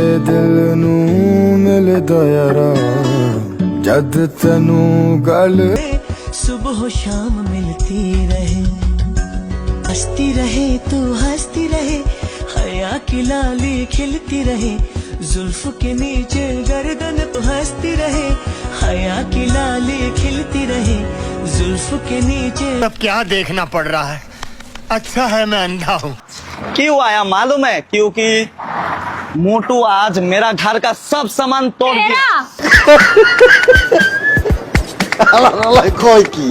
दिल नू मिलदा यारा जद तैनू गल सुबह शाम मिलती रहे, हंसती रहे तू हंसती रहे, हया की लाली खिलती रहे, जुल्फ के नीचे गर्दन तो हंसती रहे, हया की लाली खिलती रहे, जुल्फ के नीचे। अब क्या देखना पड़ रहा है, अच्छा है मैं अंधा हूँ। क्यों आया मालूम है? क्योंकि मोटू आज मेरा घर का सब सामान तोड़ दिया। কয় কি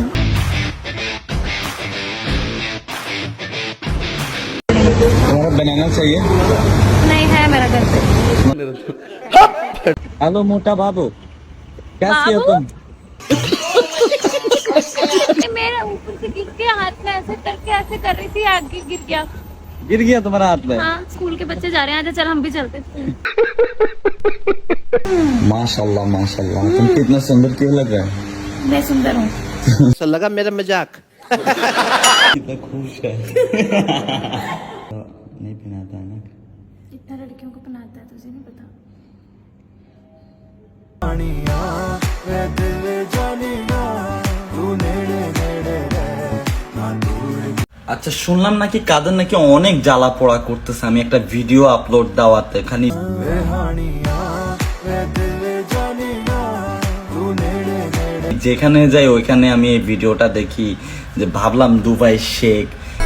तुम्हारा बनाना चाहिए? नहीं है मेरा घर पे। हेलो मोटा बाबू, कैसी हो तुम? मेरा ऊपर से गिर गया, हाथ में ऐसे करके ऐसे कर रही थी, आगे गिर गया। गिर गया तुम्हारा हाथ में? हाँ, स्कूल के बच्चे जा रहे हैं, आजा चल हम भी चलते हैं। माशाल्लाह माशाल्लाह, तुम कितना सुंदर क्यों लग रहा है? मैं सुंदर हूँ। लगा मेरा मजाक। कितना खुश है। नहीं पहनाता है ना? इतना लड़कियों को पहनाता है, तुझे नहीं पता? वे दिल जानिया तू नेड़े नेड़े रह ना दूर। আচ্ছা, শুনলাম নাকি কাদের নাকি অনেক জ্বালা পোড়া করতেছে আমি একটা ভিডিও আপলোড দেওয়াতে। খালি যেখানে যাই ওইখানে আমি এই ভিডিওটা দেখি, যে ভাবলাম দুবাই শেখ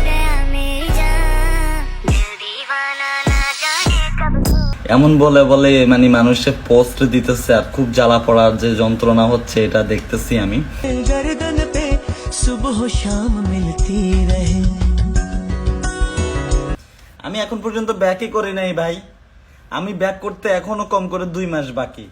এমন বলে বলে মানে মানুষের পোস্ট দিতেছে, আর খুব জ্বালা পড়ার যে যন্ত্রণা হচ্ছে এটা দেখতেছি আমি। गर्दन पे सुबह शाम मिलती रहे। আমি এখন পর্যন্ত ব্যাকই করি নাই ভাই, আমি ব্যাক করতে এখনো কম করে 2 মাস বাকি।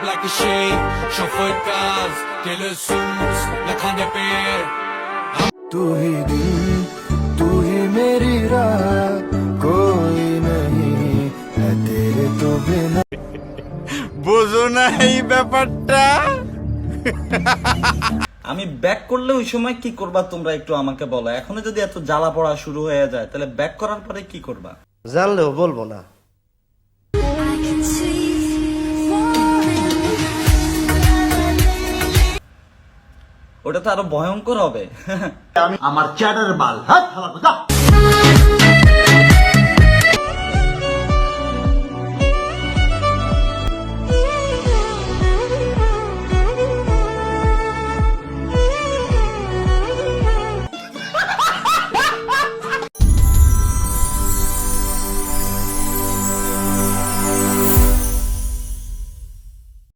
तू ही दिल तू ही मेरी राह कोई नहीं है तेरे तो बिना। বুঝো না এই ব্যাপারটা। আমি ব্যাক করলে ওই সময় কি করবা তোমরা একটু আমাকে বলো। এখনো যদি এত জ্বালা পড়া শুরু হয়ে যায় তাহলে ব্যাক করার পরে কি করবা? জানলেও বলবো না। ওটা তো আরো ভয়ঙ্কর হবে। আমার চ্যাটার বাল, হাত